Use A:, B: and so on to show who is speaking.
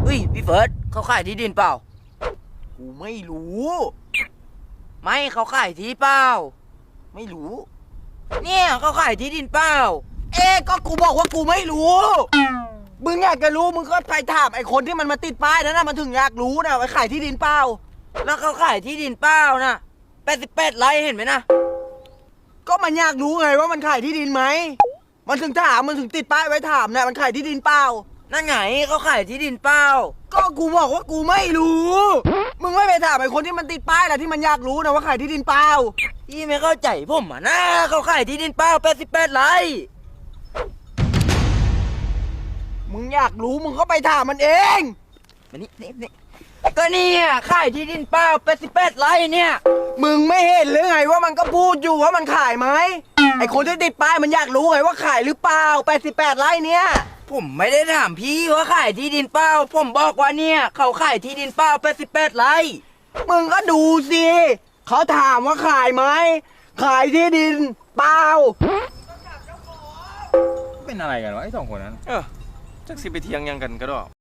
A: ฮ้ยพี่เฟิร์สเขาขายที่ดินเปล่า
B: กูไม่รู้
A: ไม่เขาขายที่เปล่า
B: ไม่รู้
A: เนี่ยเขาขายที่ดินเปล่า
B: ก็กูบอกว่ากูไม่รู้มึงอยากจะรู้มึงก็ไปถามไอ้คนที่มันมาติดป้ายนั่นนะมันถึงอยากรู้นะว่าขายที่ดินเปล่า
A: แล้วเขาขายที่ดินเปล่านะ88 ไร่เห็นไหมนะ
B: ก็มันอยากรู้ไงว่ามันขายที่ดินไหมมันถึงถามมันถึงติดป้ายไว้ถามนะมันขายที่ดินเปล่า
A: นั่นไงเขาขายที่ดินเปล่า
B: ก็กูบอกว่ากูไม่รู้มึงไม่ไปถามไอ้คนที่มันติดป้ายแหละที่มันอยากรู้นะว่าขายที่ดินเปล่า
A: พี่ไม่เข้าใจผมอ่ะนะเขาขายที่ดินเปล่า88 ไร่
B: มึงอยากรู้มึงก็ไปถามมันเอง
A: มานี่ก็เนี่ยขายที่ดินเปล่า88 ไร่เนี่ย
B: มึงไม่เห็นหรือไงว่ามันก็พูดอยู่ว่ามันขายไหมไอคนที่ติดป้ายมันอยากรู้ไงว่าขายหรือเปล่า88 ไร่เนี่ย
A: ผมไม่ได้ถามพี่ว่าขายที่ดินเปล่าผมบอกว่าเนี่ยเขาขายที่ดินเปล่า88 ไร่
B: มึงก็ดูสิเขาถามว่าขายไหมขายที่ดินเปล่า
C: เป็นอะไรกันวะไอ้สองคนนั้นจักสิไปเทียงยังกันก็ได้